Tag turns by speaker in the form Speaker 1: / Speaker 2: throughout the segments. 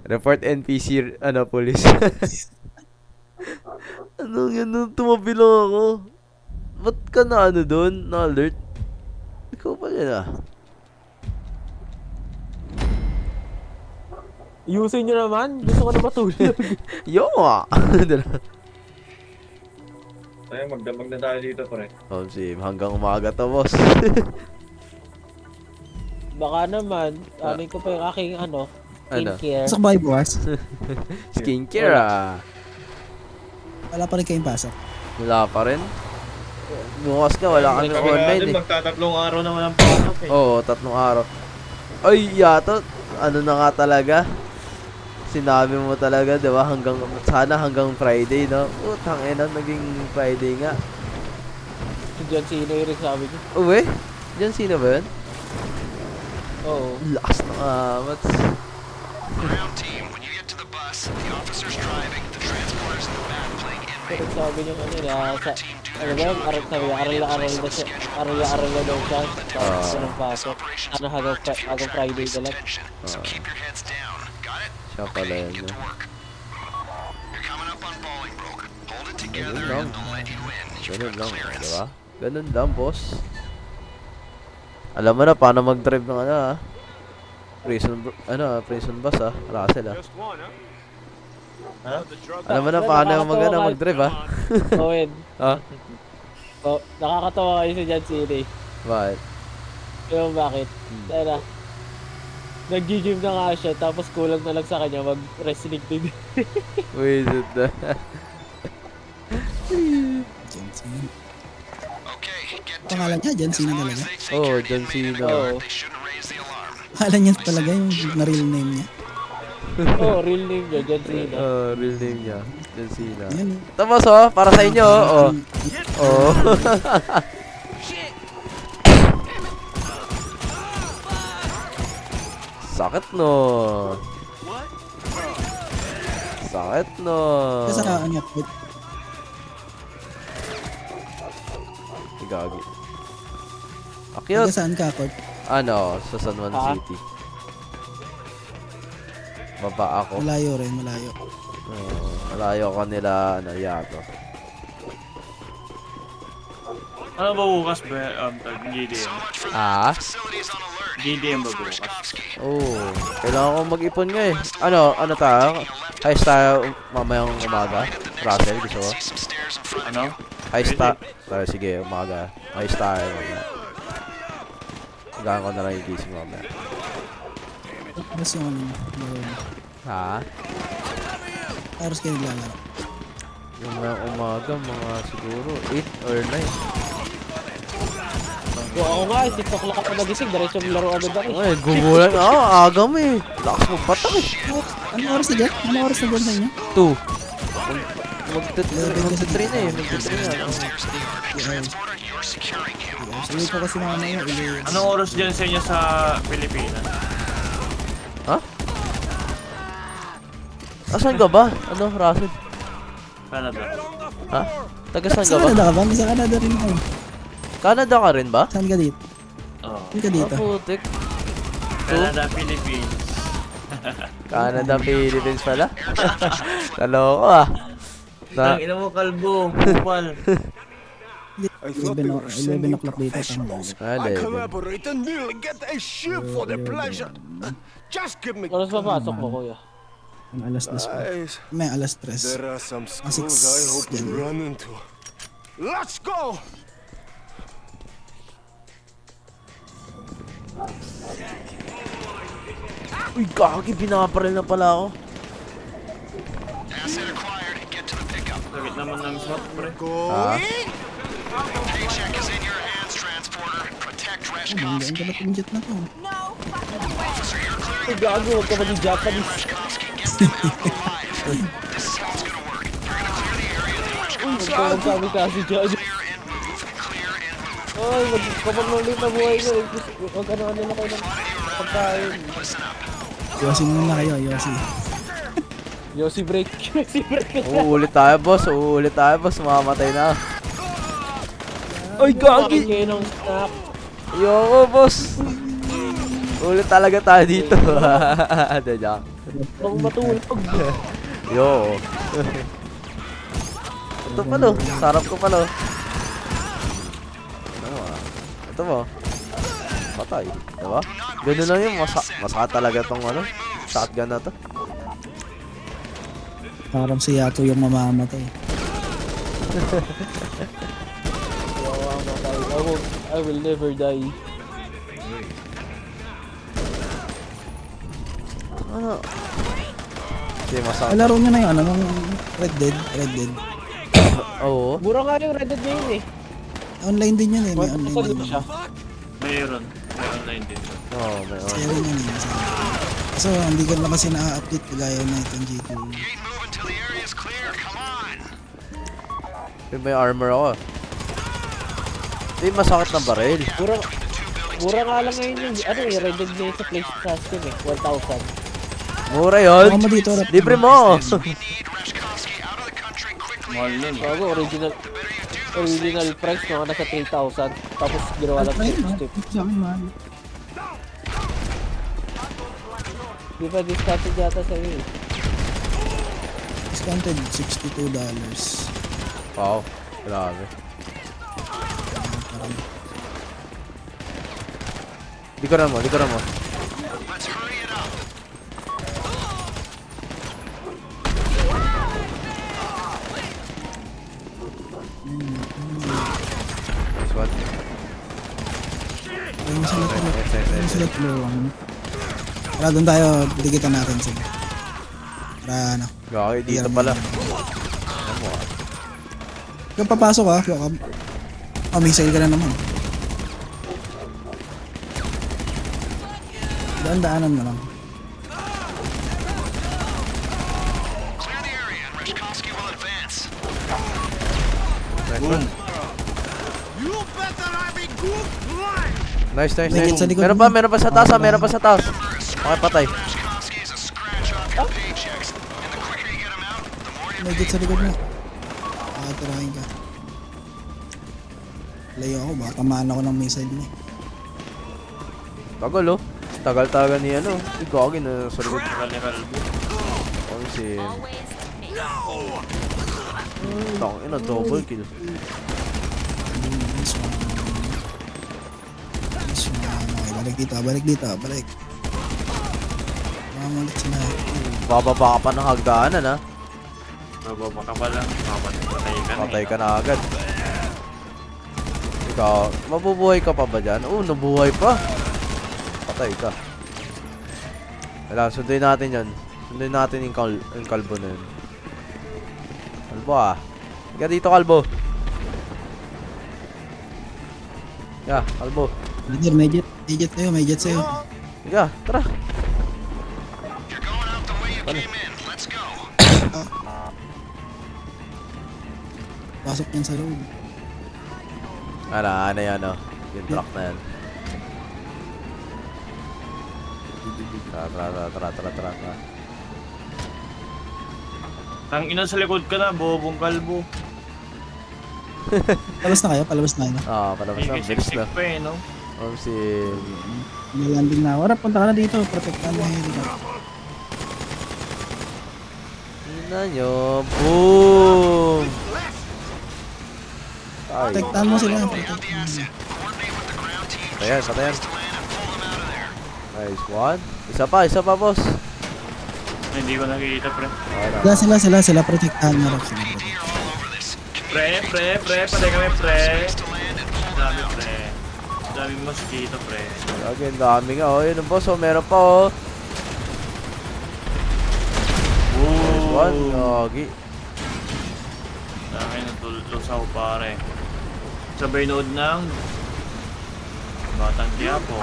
Speaker 1: Report NPC, ano, police. Anong yan? Tumabi lang ako. Ba't ka na ano doon? Na-alert? Ikaw pa yan ah.
Speaker 2: Ayusin nyo naman. Gusto ko na matulog.
Speaker 1: Yo ah!
Speaker 3: Tayo, magdamag na tayo dito, pre.
Speaker 1: Oh, si hanggang umaga to, boss.
Speaker 2: Baka naman, anin ko pa yung aking
Speaker 1: Ano?
Speaker 2: skincare.
Speaker 4: Pasok ba kayo bukas?
Speaker 1: Skincare ah.
Speaker 4: Wala pa rin kayong pasok.
Speaker 1: Wala pa rin. Bukas ka, wala kami
Speaker 3: Kami nga
Speaker 1: online
Speaker 3: din,
Speaker 1: eh.
Speaker 3: magtatatlong araw na walang pasok eh.
Speaker 1: Oo, 3 araw. Ay, yata, ano na nga talaga. Sinabi mo talaga, di ba? Sana hanggang Friday, no? Utang ina, naging Friday nga.
Speaker 2: Si John Cena yung rin sabi niya.
Speaker 1: Uwe? Diyan sino ba yun?
Speaker 2: Oo.
Speaker 1: Lakas na amats.
Speaker 5: Ground team, when you get to the bus, the officer's driving, the transporter's in the back playing
Speaker 2: Pero
Speaker 5: inmate.
Speaker 2: sabi niya kanina, ano ba yun? Sabi niya, aral na siya. Aral na daw siya. Tapos walang pasok. Ano hanggang Friday na lang.
Speaker 5: So keep your heads down. Got it?
Speaker 1: Siya pala yun.
Speaker 5: Get to work. You're coming up on Bolingbroke. Hold it together
Speaker 1: Ganun lang.
Speaker 5: and they'll let you in. You've
Speaker 1: Ganun
Speaker 5: got
Speaker 1: lang,
Speaker 5: clearance.
Speaker 1: di ba? Ganun lang, boss. Alam mo na paano mag-drive ng ano ah. Prison bus ah. Russell ah.
Speaker 3: Ha?
Speaker 1: Alam mo na paano mag-drive ah.
Speaker 2: Owen.
Speaker 1: Ha?
Speaker 2: Oh, nakakatawa kayo si John Cena eh.
Speaker 1: Bakit?
Speaker 2: Alam mo bakit? Tara. Nag-gym na nga siya, tapos kulang na lang sa kanya mag-wrestling din.
Speaker 1: Wait, na.
Speaker 4: John Cena.
Speaker 5: Okay, get to
Speaker 4: Pangalan
Speaker 5: it.
Speaker 4: niya, John
Speaker 5: As
Speaker 4: Cena
Speaker 5: long as
Speaker 4: talaga.
Speaker 5: they think
Speaker 1: Oh,
Speaker 5: you're
Speaker 1: John
Speaker 5: invading
Speaker 1: Cena.
Speaker 5: the
Speaker 2: Oo.
Speaker 5: guard, they shouldn't raise the alarm.
Speaker 4: Pangalan niya talaga yung na real name niya.
Speaker 2: Oh, real name niya, John Cena.
Speaker 1: Real name niya. John Cena.
Speaker 4: Yan.
Speaker 1: Tapos oh, para sa inyo oh. Oh. Sakit no. Sakit no.
Speaker 4: Kasi sa ano,
Speaker 1: Gagi.
Speaker 4: taga
Speaker 1: Akyat.
Speaker 4: saan ka, Court?
Speaker 1: Ano, sa San Juan
Speaker 2: Ha?
Speaker 1: City. Baba ako.
Speaker 4: Malayo rin, malayo.
Speaker 1: Malayo ka nila, ano, yato.
Speaker 3: Ano ba bukas ba? GDM.
Speaker 5: So much for
Speaker 1: Ah?
Speaker 5: that. Facilities on alert.
Speaker 3: GDM ba bukas?
Speaker 5: Verskovsky.
Speaker 1: Oh, kailangan ko mag-ipon nga eh. Ano tayo? Heist tayo mamayang umaga. Russell, gusto mo?
Speaker 5: See some stairs in front of
Speaker 3: Ano?
Speaker 5: you.
Speaker 1: Heist tayo. Sige, umaga. Heist tayo mamaya. Hanggang ko na lang yung gising mamaya.
Speaker 4: Tapos yung ano, laro.
Speaker 1: Ha?
Speaker 4: Oras kayo naglalaro.
Speaker 1: Yung mga umaga, mga siguro 8 or 9.
Speaker 2: So, ako nga, 6 o'clock ako nagising, diretso laro agad ako.
Speaker 1: Ay, gugulan. Aga mo eh. Lakas mo patak eh.
Speaker 4: Ano oras na dyan? Ano oras na dyan sa inyo?
Speaker 1: 2. Magta-3 na eh. Magta-3 na.
Speaker 5: Stairs in the yard. Transporter, you're securing him.
Speaker 4: Uwi ko kasi mamaya.
Speaker 3: Anong oras dyan sa inyo sa Pilipinas?
Speaker 1: Ha? Asan ka ba? Ano, Russell?
Speaker 3: Canada.
Speaker 1: Ha? Taga saan
Speaker 4: Sa
Speaker 1: ka ba?
Speaker 4: Canada ka ba? Sa Canada rin ako.
Speaker 1: Canada ka rin ba?
Speaker 4: Saan ka dito?
Speaker 3: Oo.
Speaker 4: Saan ka dito?
Speaker 1: Putik.
Speaker 3: Canada, Philippines.
Speaker 1: Canada, Philippines pala. Taloko ah.
Speaker 3: Ang ina mo, kalbo. Kupal.
Speaker 4: 11 o'clock dito. Tama.
Speaker 1: Alay.
Speaker 6: Collaborate and nearly get a ship for the pleasure. Just give me.
Speaker 2: Oras papasok mo, kuya.
Speaker 4: Ang alas 2 pa.
Speaker 6: Guys,
Speaker 4: May alas 3.
Speaker 6: there are some
Speaker 4: six,
Speaker 6: schools I hope to
Speaker 4: yan.
Speaker 6: run into. Let's go!
Speaker 1: Uy, kaki, binaparil na pala ako.
Speaker 5: Asset acquired. Get to the pickup.
Speaker 3: Sakit naman ng shot, pre.
Speaker 1: Ha?
Speaker 5: Paycheck is in your hands, transporter. Protect
Speaker 4: Ang
Speaker 5: Reshkovsky.
Speaker 4: galing ng jet na to.
Speaker 5: Officer, you're clear.
Speaker 2: Ay, gago, huwag ka mag-Japanese.
Speaker 5: Reshkovsky, get them out alive. This is how it's gonna work. You're gonna clear the area, then
Speaker 2: Huwag
Speaker 5: Reshkovsky
Speaker 2: ka magsabi kasi dyan.
Speaker 5: clear and move. Clear and move.
Speaker 2: Ay, kapag nulit na buhay ko, huwag ano na kayo ng pagkain.
Speaker 5: Listen up.
Speaker 4: Yosi muna kayo, Yosi.
Speaker 2: Yossi break. Yossi break.
Speaker 1: Uulit tayo, boss. Uulit tayo, boss. Mamamatay na. Ay,
Speaker 2: Bakit
Speaker 1: gagi.
Speaker 2: kayo ng snack?
Speaker 1: Ayoko, boss. Ulit talaga tayo dito. Hindi, joke.
Speaker 2: Huwag matulog.
Speaker 1: Yo. Ito pala, sarap ko pala. Ano ah? Ito mo. Patay, diba? Ganun lang yun, masaka talaga tong ano, shotgun na to.
Speaker 4: Parang si Yato yung mamamatay.
Speaker 2: I will never die.
Speaker 1: Ano? Hindi masaka.
Speaker 4: Laro nyo na yung ano, yung Red Dead.
Speaker 1: Oo.
Speaker 2: Mura nga yung Red Dead ngayon eh.
Speaker 4: Online din yun eh, may online
Speaker 2: Saan
Speaker 4: din.
Speaker 2: dito siya?
Speaker 3: Mayroon. May online din.
Speaker 1: Oo, may
Speaker 4: Sale yun eh. So, hindi ko lang kasi na-update kagaya na itong G2.
Speaker 5: You ain't moving till the area's clear. Come on.
Speaker 1: may armor ako. Hindi masakit na baril.
Speaker 2: Mura nga lang ngayon yung ano eh, Red Dead ngayon sa PlayStation eh, 1,000.
Speaker 1: Mura yun.
Speaker 4: Baka mo dito, Rap.
Speaker 1: Libre mo.
Speaker 5: We need Reshkovsky out of the country quickly.
Speaker 3: Mahal nun.
Speaker 2: Bago, original price mga nasa 3,000. Tapos ginawa lang
Speaker 4: Ayun,
Speaker 2: 60.
Speaker 4: sa akin, mahal.
Speaker 2: Di ba discounted yata sa'yo eh.
Speaker 4: Discounted, $62.
Speaker 1: Wow, grabe. Likuran mo.
Speaker 5: Let's hurry it up.
Speaker 1: Nice one.
Speaker 4: Ayun sila tulo.
Speaker 1: Nice.
Speaker 4: Ayun sila tulungan. Para doon tayo, digitan natin sila. Para ano.
Speaker 1: Gagi, dito pala. Ano mo ah.
Speaker 4: Kung papasok ha, missile ka na naman. Daan-daanan na lang.
Speaker 5: Clear the area and Reshkovsky will advance.
Speaker 1: Nice one.
Speaker 6: You better have a good line.
Speaker 1: Nice.
Speaker 4: May sa likod
Speaker 1: Meron pa sa taas ah, meron pa sa taas. Okay, patay.
Speaker 5: Reshkovsky is a scratch off your paychecks. And the quicker you get him out, the more you
Speaker 4: May sa likod mo. Tirahin ka. Layo ako, baka tamaan ako ng missile mo.
Speaker 1: Tagal oh. Tagal ni ano. Gagi na sa likod.
Speaker 3: Tagal ni Kalbo.
Speaker 1: Ang si... Ina, double kill.
Speaker 4: This one. Okay, balik dito. Mamalit sila.
Speaker 1: Bababa ka pa ng hagdanan ah.
Speaker 3: Bababa ka pa lang.
Speaker 1: Patay ka na agad. Ikaw, mabubuhay ka pa ba dyan? Oo, nabuhay pa. Patay ka. Kailangan, sunduin natin yan. Sunduin natin yung kalbo na yun. Kalbo ah. Higa dito, kalbo. Yeah, kalbo.
Speaker 4: Brother, may jet sa'yo.
Speaker 1: Higa, tara.
Speaker 5: You're going out the way you came in. Let's go.
Speaker 4: Pasok yan sa loob.
Speaker 1: Ano yan oh. Yung truck na yan. Tara.
Speaker 3: Tang ina sa likod ka na, bobong Kalbo.
Speaker 4: Palabas na kayo?
Speaker 1: Ah, palabas na.
Speaker 3: May
Speaker 1: Bilis na.
Speaker 3: siksik pa eh, no?
Speaker 1: Si...
Speaker 4: Nilanding na ako. Rap, punta ka na dito. Protektahan mo yung helicopter.
Speaker 1: Ina nyo. Boom! Ay.
Speaker 4: Protektahan mo sila.
Speaker 1: Patayan. Nice one. Isa pa, boss.
Speaker 3: Hindi ko nakikita, pre.
Speaker 4: Sila. Protektahan mo. Rap, sila.
Speaker 3: Pre, patay kami, pre. Dami, pre. Dami mosquito, pre.
Speaker 1: Okay, ang dami nga. Oh, yun ang boss. Oh, meron pa, oh. Nice one. Gagi.
Speaker 3: Dami natulusaw, pare. Sabay nood ng Batang Quiapo.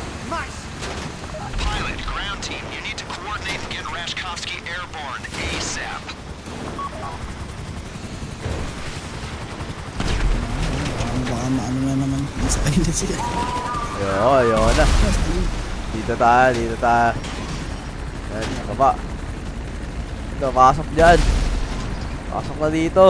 Speaker 5: Pilot, ground team, you need to coordinate and get Reshkovsky airborne ASAP.
Speaker 4: Baka maano na naman. Sa kanila sila.
Speaker 1: Ayun na. Dito tayo. Yan, baba. Ito, pasok dyan. Pasok na dito.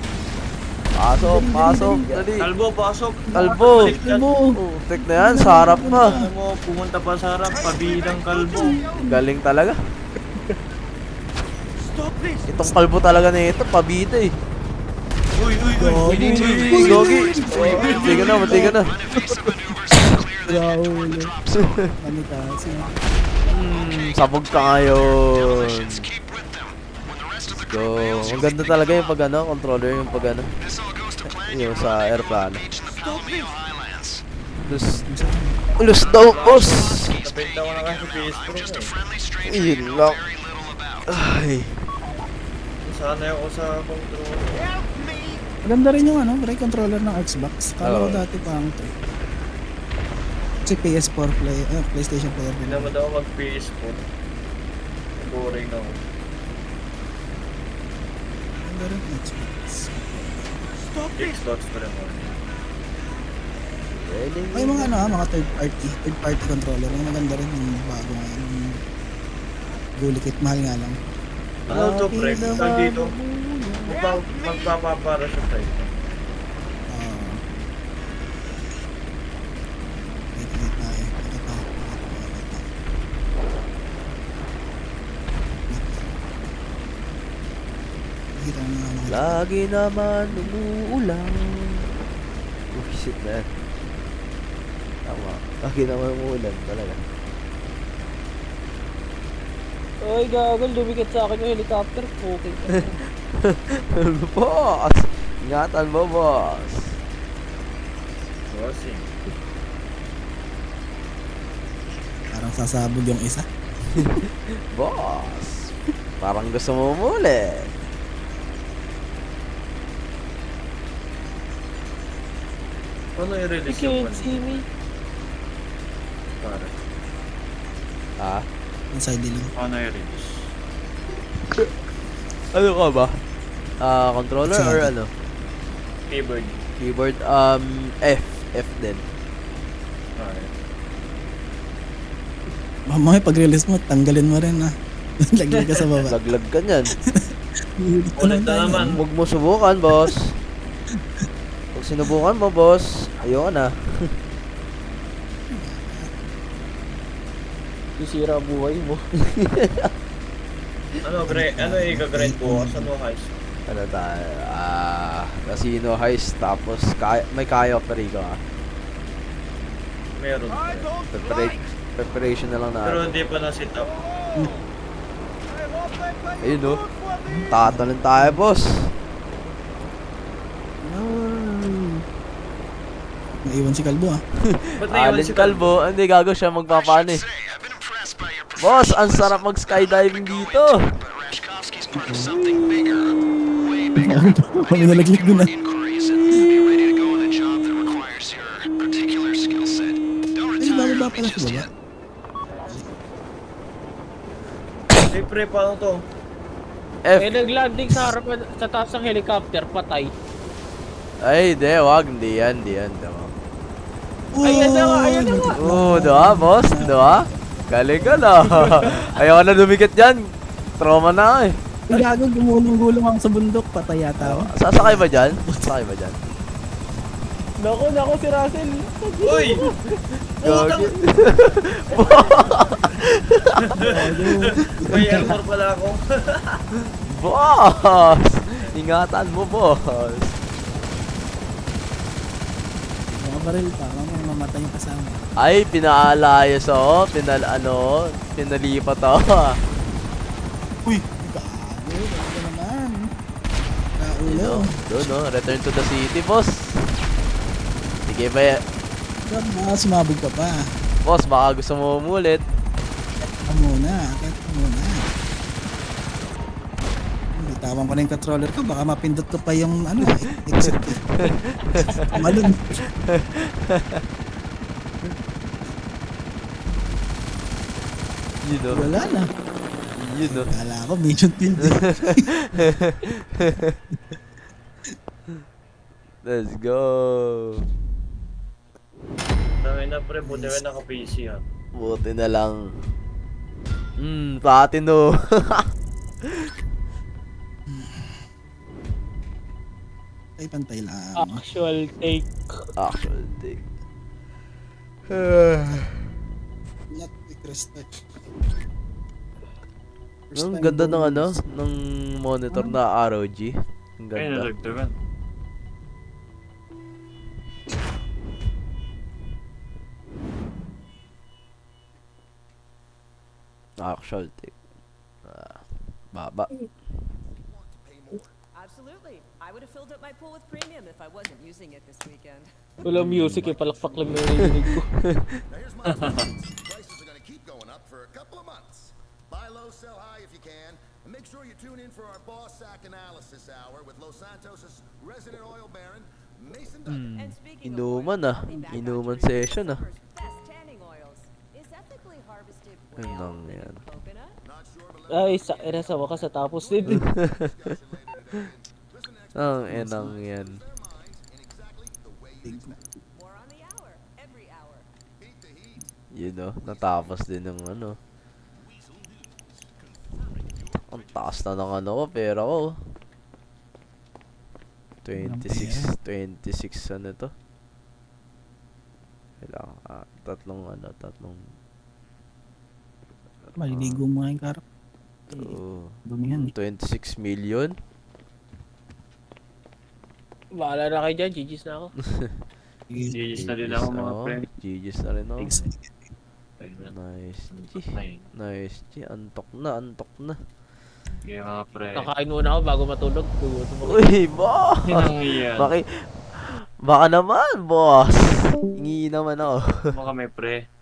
Speaker 1: Pasok. Dali.
Speaker 3: Kalbo, pasok.
Speaker 1: Kalbo. Tek na yan, sa harap pa.
Speaker 3: Ano mo, pumunta pa sa harap, pabilang Kalbo.
Speaker 1: Galing talaga. Itong kalbo talaga na ito, pabida eh.
Speaker 3: Uy, uy, uy.
Speaker 1: Uy, Gogi. Mati ka na, mati ka na.
Speaker 4: Raul. Manitasi.
Speaker 1: Sabog ka ngayon. Go. Ang ganda talaga yung pag ano, controller yung pag ano. Yung sa airplane. Ulus daw, boss.
Speaker 3: Nabenta ko na kasi PS Pro eh.
Speaker 1: Yun lang. Ay.
Speaker 3: Sana ako sa controller.
Speaker 4: Maganda rin yung ano, pre, controller ng Xbox. Kala ko
Speaker 1: Oo.
Speaker 4: dati pang ito eh. Kasi PS4 PlayStation player
Speaker 3: Hindi
Speaker 4: din.
Speaker 3: naman ako mag PS4. Boring na ako.
Speaker 4: Maganda rin yung Xbox.
Speaker 3: Xbox pa rin ako.
Speaker 4: May mga ano mga third party controller. Yung maganda rin yung bago ngayon. Yung Gulikit, mahal nga lang.
Speaker 3: Ano to, pre? Tag dito. Magpapapara siya tayo.
Speaker 4: Wait tayo. Kita na mga
Speaker 1: Lagi naman umuulan. Oh shit man. Tama. Lagi naman umuulan talaga.
Speaker 2: Oy, gagol, dumikit sa akin yung helicopter. Okay ka.
Speaker 1: Boss! Ingatan mo, boss.
Speaker 3: Bossing.
Speaker 4: parang sasabog yung isa.
Speaker 1: Boss! Parang gusto mo muli.
Speaker 3: Ano
Speaker 2: You
Speaker 3: i-release yung
Speaker 2: can't see me.
Speaker 3: para?
Speaker 1: Ha?
Speaker 4: Ang side lang.
Speaker 3: Ano i-release?
Speaker 1: Ano ka ba? Controller or
Speaker 4: Sorry.
Speaker 1: ano?
Speaker 3: Keyboard.
Speaker 1: Keyboard, F din.
Speaker 3: Alright.
Speaker 4: Mamaya pag-release mo, tanggalin mo rin ah. Laglag ka sa baba.
Speaker 1: Laglag ka niyan.
Speaker 3: Ulit na naman.
Speaker 1: Huwag mo subukan, boss. Pag sinubukan mo, boss, ayoko na.
Speaker 2: Sisira ang buhay mo.
Speaker 3: Ano, ano i-grind bukas? Ano heist?
Speaker 1: Ano tayo? Casino heist, tapos may kaya Perico ah.
Speaker 3: Meron.
Speaker 1: Preparation na lang
Speaker 3: Pero
Speaker 1: na.
Speaker 3: hindi pa na-sit up.
Speaker 1: Ayun no. Tatalon tayo, boss.
Speaker 4: Naiwan si Kalbo ah.
Speaker 3: Ba't naiwan
Speaker 1: Alin
Speaker 3: si
Speaker 1: Calvo, hindi gago siya magpapano eh.
Speaker 5: I've been impressed by your
Speaker 1: Boss, ang sarap mag-skydiving dito.
Speaker 5: but Rashkovsky's part of something bigger, way bigger.
Speaker 4: Kami nalaglag doon ah.
Speaker 5: Inquiries and be ready to go on a job that requires your particular skill set. Don't
Speaker 4: Ay,
Speaker 5: retire
Speaker 4: bababa
Speaker 5: on me
Speaker 4: pala
Speaker 5: just
Speaker 4: si
Speaker 5: yet.
Speaker 4: baba.
Speaker 3: Hey, pre, paano to?
Speaker 1: F.
Speaker 2: Eh, nag-landing sa harapan, sa taas ng helicopter, patay.
Speaker 1: Ay, di, wag. Hindi yan, diba?
Speaker 2: Ayan na nga, ayan na nga.
Speaker 1: Diba, boss? Diba? Galing ka na. Ayaw na dumikit dyan. Trauma na ako eh.
Speaker 4: Ang gago, gumulong-gulong ako sa bundok. Patay yata ako.
Speaker 1: Sasakay ba dyan? Sasakay ba dyan?
Speaker 2: Nako, si Russell.
Speaker 3: Uy!
Speaker 1: Gagi.
Speaker 3: May armor pala ako.
Speaker 1: Boss! Ingatan mo, boss.
Speaker 4: Mga baril pa, mamaya mamatay yung kasama.
Speaker 1: Ay, pinaalayas ako. Pinalipat ako.
Speaker 4: Uy! Gago, gago naman. Kaulo.
Speaker 1: Doon, no? Return to the city, boss. Sige ba yan?
Speaker 4: Ba't baka sumabog ka pa?
Speaker 1: Boss, baka gusto mo umulit.
Speaker 4: Ka muna, kahit ka muna. Bitawan ko na yung controller ko, baka mapindot ko pa yung ano, exit. Malun.
Speaker 1: Yun, no?
Speaker 4: Wala na.
Speaker 1: Yun, no?
Speaker 4: Kala ko, mission field.
Speaker 1: Let's go.
Speaker 3: Dami na, pre. Buti ka naka-PC ha.
Speaker 1: Buti na lang. Platino.
Speaker 4: Ay, pantay lang.
Speaker 2: Actual take.
Speaker 1: Actual thing.
Speaker 4: Not quick restart.
Speaker 1: Ang ganda ng ano, ng yung monitor na ROG. Ang
Speaker 3: Ay,
Speaker 1: ganda.
Speaker 3: nalagdagan.
Speaker 1: Actual tape. Baba.
Speaker 7: Absolutely. I would have filled up my pool with premium if I wasn't using it this weekend.
Speaker 2: Walang music eh, palakpak lang yung narinig ko.
Speaker 6: Now here's my prices are gonna keep going up for a couple of months. Buy low, sell high if you can, and make sure you tune in for our boss sack analysis hour with Los Santos' resident oil baron, Mason Duggan.
Speaker 7: And speaking
Speaker 1: Inuman
Speaker 7: of oil,
Speaker 1: ah.
Speaker 7: I'll be back
Speaker 1: Inuman
Speaker 7: on Tree's
Speaker 1: session ah.
Speaker 7: summer's best tanning oils. Is ethically harvested
Speaker 1: Ay,
Speaker 7: whale
Speaker 1: nang
Speaker 7: living
Speaker 1: yan.
Speaker 7: coconut?
Speaker 6: Not sure, but let's
Speaker 2: Ay, sa wakas natapos din.
Speaker 6: discussion later today. Listen to
Speaker 1: Ang enang yan.
Speaker 6: their minds in exactly the way you expect.
Speaker 7: More on the hour, every hour.
Speaker 6: Beat the heat.
Speaker 1: Yun know, natapos din ng ano. Ang taas na ng ano ko, pera ko. 26 ano to? Kailangan, tatlong
Speaker 4: Maliligo mo nga yung karap. Dumi yan eh.
Speaker 1: 26 million?
Speaker 2: Bahala na kayo dyan, GG's na ako.
Speaker 3: GG's na din ako mga pre.
Speaker 1: GG's na rin ako.
Speaker 3: Ayun.
Speaker 1: Nice G.
Speaker 3: Ayun.
Speaker 1: Nice G. Antok na.
Speaker 3: Okay mga pre.
Speaker 2: Kakain muna ako bago matulog. Gugutom ako.
Speaker 1: Uy, boss!
Speaker 3: Ang yan.
Speaker 1: Baka naman, boss! Hingi naman ako.
Speaker 3: Baka may pre.